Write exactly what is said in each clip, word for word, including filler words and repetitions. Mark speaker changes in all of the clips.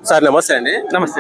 Speaker 1: Sir నమస్తే అండి.
Speaker 2: నమస్తే.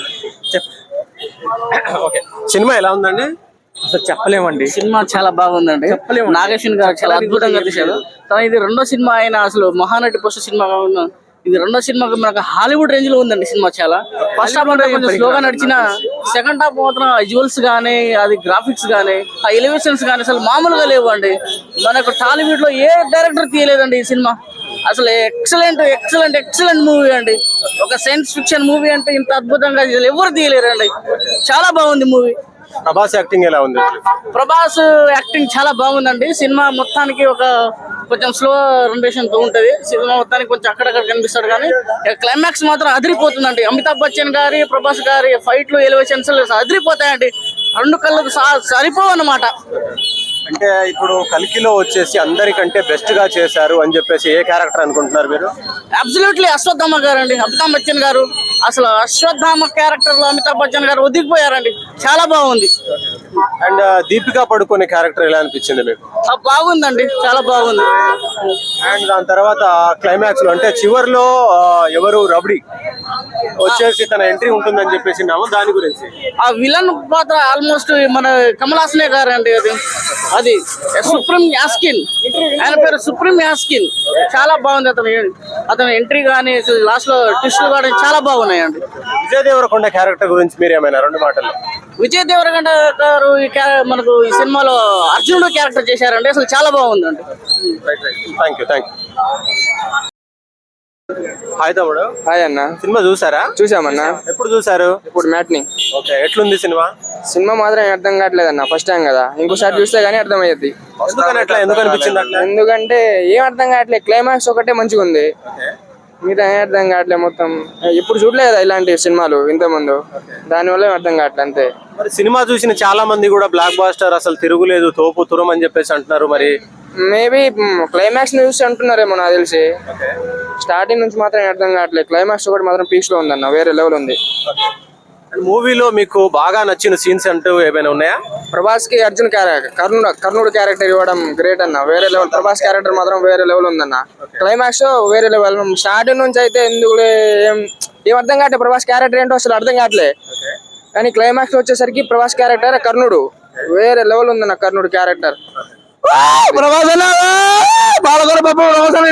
Speaker 1: ఓకే, సినిమా ఎలా ఉందండి?
Speaker 2: అసలు చెప్పలేమండి.
Speaker 3: సినిమా చాలా బాగుందండి.
Speaker 2: చెప్పలేము.
Speaker 3: నాగేశ్వన్ గారు చాలా అద్భుతంగా తీశారు. కానీ ఇది రెండో సినిమా అయినా అసలు మహానటి పోస్ట్ సినిమా కాకుండా ఇది రెండో సినిమా మనకు హాలీవుడ్ రేంజ్ లో ఉందండి సినిమా. చాలా ఫస్ట్ హాఫ్ అంటే కొంచెం స్లోగా నడిచిన సెకండ్ హాఫ్ మాత్రం విజువల్స్ గానీ అది గ్రాఫిక్స్ గానీ ఆ ఎలివేషన్స్ గానీ అసలు మామూలుగా లేవు అండి. మనకు టాలీవుడ్ లో ఏ డైరెక్టర్ తీయలేదండి ఈ సినిమా. అసలు ఎక్సలెంట్ ఎక్సలెంట్ ఎక్సలెంట్ మూవీ అండి. ఒక సైన్స్ ఫిక్షన్ మూవీ అంటే ఇంత అద్భుతంగా ఎవరు తీయలేరండి. చాలా బాగుంది మూవీ.
Speaker 1: ప్రభాస్ యాక్టింగ్ ఎలా ఉంది?
Speaker 3: ప్రభాస్ యాక్టింగ్ చాలా బాగుందండి. సినిమా మొత్తానికి ఒక కొంచెం స్లో రొటేషన్ తో ఉంటది. సినిమా మొత్తానికి కొంచెం అక్కడక్కడ కనిపిస్తాడు కానీ క్లైమాక్స్ మాత్రం అదిరిపోతుందండి. అమితాబ్ బచ్చన్ గారి ప్రభాస్ గారి ఫైట్లు ఎలివేషన్స్ అదిరిపోతాయండి. రెండు కళ్ళకు సరిపోవు అన్నమాట.
Speaker 1: అంటే ఇప్పుడు కల్కిలో వచ్చేసి అందరికంటే బెస్ట్ గా చేశారు అని చెప్పేసి ఏ క్యారెక్టర్ అనుకుంటున్నారు మీరు?
Speaker 3: అబ్సల్యూట్లీ అశ్వత్థామ గారు అండి. అమితాబ్ బచ్చన్ గారు అసలు అశ్వత్థామ క్యారెక్టర్ లో అమితాబ్ బచ్చన్ గారు ఒదిగిపోయారండి. చాలా బాగుంది.
Speaker 1: అండ్ దీపికా పడుకునే క్యారెక్టర్ ఎలా అనిపించింది మీకు?
Speaker 3: బాగుందండి, చాలా బాగుంది.
Speaker 1: అండ్ దాని తర్వాత క్లైమాక్స్ లో అంటే చివర్లో ఎవరు రబడి వచ్చేసి తన ఎంట్రీ ఉంటుందని చెప్పేసి దాని గురించి
Speaker 3: ఆ విలన్ పాత్ర ఆల్మోస్ట్ మన కమల్ హాసనే గారు అండి. అది అది సుప్రీం యాస్కిన్, ఆయన పేరు సుప్రీం యాస్కిన్. చాలా బాగుంది అతను అతని ఎంట్రీ కానీ లాస్ట్ లో ట్విస్టులు కానీ చాలా బాగున్నాయండి.
Speaker 1: విజయ్ దేవరకొండ క్యారెక్టర్ గురించి మీరు ఏమైనా రెండు మాటలు?
Speaker 3: విజయ్ దేవరకొండ గారు ఈ మనకు ఈ సినిమాలో అర్జునుడు క్యారెక్టర్ చేశారండి. అసలు చాలా బాగుందండి.
Speaker 1: Thank you thank you hi తమ్ముడు.
Speaker 2: హాయ్ అన్న.
Speaker 1: సినిమా చూసారా?
Speaker 2: చూసామన్నా.
Speaker 1: ఎప్పుడు చూసారు?
Speaker 2: ఇప్పుడు మ్యాట్ని.
Speaker 1: ఓకే, ఎట్లుంది సినిమా?
Speaker 2: సినిమా మాత్రం అర్థం కావట్లేదు అన్న. ఫస్ట్ టైం కదా, ఇంకోసారి చూస్తే గానీ అర్థం అయ్యేది.
Speaker 1: ఎందుకని అట్లా ఎందుకు అనిపించింది అట్లా?
Speaker 2: ఎందుకంటే ఏం అర్థం కావట్లేదు. క్లైమాక్స్ ఒకటే మంచిగా ఉంది, మిగతా ఏం అర్థం కావట్లేదు. మొత్తం ఇప్పుడు చూడలేదు ఇలాంటి సినిమాలు ఇంత ముందు, దానివల్ల ఏం అర్థం కావట్లేదు అంతే.
Speaker 1: మరి సినిమా చూసిన చాలా మంది కూడా బ్లాక్ బాస్టర్ అసలు తిరుగులేదు, తోపు తురం అని చెప్పేసి అంటున్నారు. మరి
Speaker 2: మేబీ క్లైమాక్స్ చూసి అంటున్నారేమో నాకు తెలిసి. స్టార్టింగ్ నుంచి మాత్రం అర్థం కావట్లేదు. క్లైమాక్స్ ఒకటి మాత్రం పీక్స్ లో ఉందన్న, వేరే లెవెల్ ఉంది.
Speaker 1: మూవీలో మీకు బాగా నచ్చిన సీన్స్ అంటూ ఏమైనా ఉన్నాయా?
Speaker 2: ప్రభాస్ కి అర్జున్ క్యారెక్టర్, కర్ణుడు కర్ణుడు క్యారెక్టర్ ఇవ్వడం గ్రేట్ అన్న, వేరే లెవెల్. ప్రభాస్ క్యారెక్టర్ మాత్రం వేరే లెవెల్ ఉందన్న. క్లైమాక్స్ వేరే లెవెల్. స్టార్టింగ్ నుంచి అయితే ఎందుకు ఏం ఏం అర్థం కావట్లేదు. ప్రభాస్ క్యారెక్టర్ ఏంటో అసలు అర్థం కావట్లేదు. కానీ క్లైమాక్స్ వచ్చేసరికి ప్రభాస్ క్యారెక్టర్ కర్ణుడు వేరే లెవెల్ ఉందన్న. కర్ణుడు క్యారెక్టర్
Speaker 4: ప్రభాస్ బాలగొర బాబు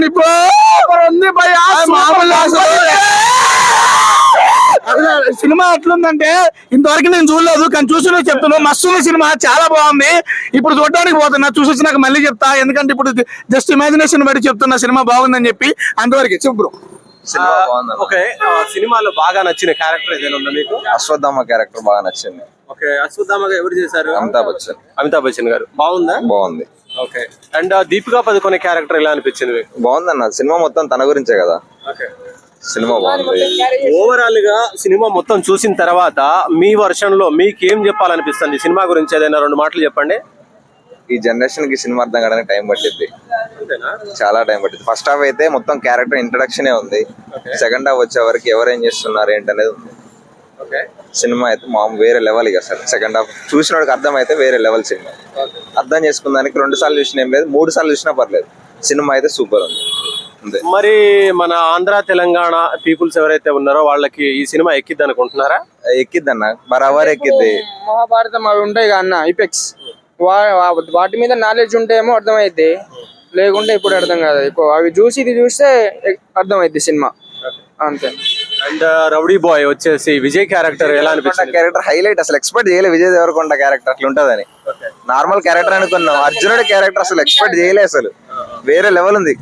Speaker 4: సినిమా ఎట్లుందంటే ఇంతవరకు నేను చూడలేదు, కానీ చూసి చెప్తున్నాను. మస్తు సినిమా, చాలా బాగుంది. ఇప్పుడు చూడడానికి పోతున్నా, చూసి వచ్చినాక మళ్ళీ చెప్తా. ఎందుకంటే ఇప్పుడు జస్ట్ ఇమాజినేషన్ బట్టి చెప్తున్నా సినిమా బాగుందని చెప్పి. అంతవరకు చెప్పు.
Speaker 1: ఓకే, సినిమాలో బాగా నచ్చిన క్యారెక్టర్ ఏదైనా ఉందా మీకు?
Speaker 5: అశ్వత్థామ క్యారెక్టర్ బాగా నచ్చింది.
Speaker 1: ఓకే, అశ్వత్థామ ఎవరు చేశారు?
Speaker 5: అమితాబ్ బచ్చన్.
Speaker 1: అమితాబ్ బచ్చన్ గారు. బాగుందా?
Speaker 5: బాగుంది.
Speaker 1: Okay, and Deepika Padukone character ఎలా అనిపించింది మీకు?
Speaker 5: బాగుందన్న. సినిమా మొత్తం తన గురించే కదా. సినిమా బాగుంది.
Speaker 1: ఓవరాల్ గా సినిమా మొత్తం చూసిన తర్వాత మీ వర్షన్ లో మీకు ఏం చెప్పాలనిపిస్తుంది సినిమా గురించి? ఏదైనా రెండు మాటలు చెప్పండి.
Speaker 5: ఈ జనరేషన్ కి సినిమా అర్థం కావడానికి టైం పట్టింది, చాలా టైం పట్టింది. ఫస్ట్ హాఫ్ అయితే మొత్తం క్యారెక్టర్ ఇంట్రడక్షన్ ఉంది. సెకండ్ హాఫ్ వచ్చే వరకు ఎవరు ఏం చేస్తున్నారు ఏంటనేది ఉంది. సినిమా అయితే మా వేరే లెవెల్. ఇక సార్ సెకండ్ హాఫ్ చూసిన వాడికి అర్థం అయితే వేరే లెవెల్ సినిమా. అర్థం చేసుకున్నానికి రెండు సార్లు చూసిన ఏం లేదు, మూడు సార్లు చూసినా పర్లేదు. సినిమా అయితే సూపర్ ఉంది.
Speaker 1: మరి మన ఆంధ్ర తెలంగాణ పీపుల్స్ ఎవరైతే ఉన్నారో వాళ్ళకి ఈ సినిమా ఎక్కిద్ది అనుకుంటున్నారా?
Speaker 5: ఎక్కిద్ది అన్న, బరాబర్ ఎక్కిద్ది.
Speaker 2: మహాభారతం అవి ఉంటాయి కదా అన్న, ఇపెక్స్, వాటి మీద నాలెడ్జ్ ఉంటేమో అర్థమైద్ది, లేకుంటే ఇప్పుడు అర్థం కాదు. ఎక్కువ అవి చూసి ఇది చూస్తే అర్థమైద్ది సినిమా అంతే.
Speaker 1: అండ్ రౌడీ బాయ్ వచ్చేసి విజయ్ క్యారెక్టర్ ఎలా అనిపించింది?
Speaker 5: Character highlight. అసలు ఎక్స్పెక్ట్ చేయలేదు విజయ్ దేవరకొండ క్యారెక్టర్ అట్లా ఉంటదని. నార్మల్ క్యారెక్టర్ అనుకున్నాం. అర్జునుడి క్యారెక్టర్ అసలు ఎక్స్పెక్ట్ చేయలేదు, అసలు వేరే లెవెల్ ఉంది.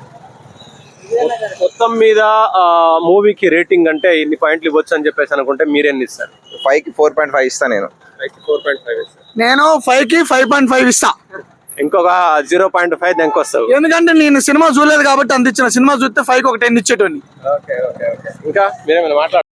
Speaker 1: మొత్తం మీద మూవీకి రేటింగ్ అంటే ఇన్ని పాయింట్లు ఇవ్వచ్చు అని చెప్పేసి అనుకుంటే మీరెన్ని ఇస్తారు?
Speaker 5: ఫైవ్ కి ఫోర్ పాయింట్ ఫైవ్ ఇస్తా నేను.
Speaker 1: ఫోర్ పాయింట్ ఫైవ్
Speaker 4: నేను ఫైవ్ కి ఫైవ్ పాయింట్ ఫైవ్ ఇస్తా.
Speaker 1: ఇంకొక జీరో పాయింట్ ఫైవ్ దానికి వస్తావు.
Speaker 4: ఎందుకంటే నేను సినిమా చూడలేదు కాబట్టి అంత ఇచ్చిన. సినిమా చూస్తే ఫైవ్ కి ఒక టెన్ ఇచ్చేటోని.
Speaker 1: ఇంకా మీరేమైనా మాట్లాడారు?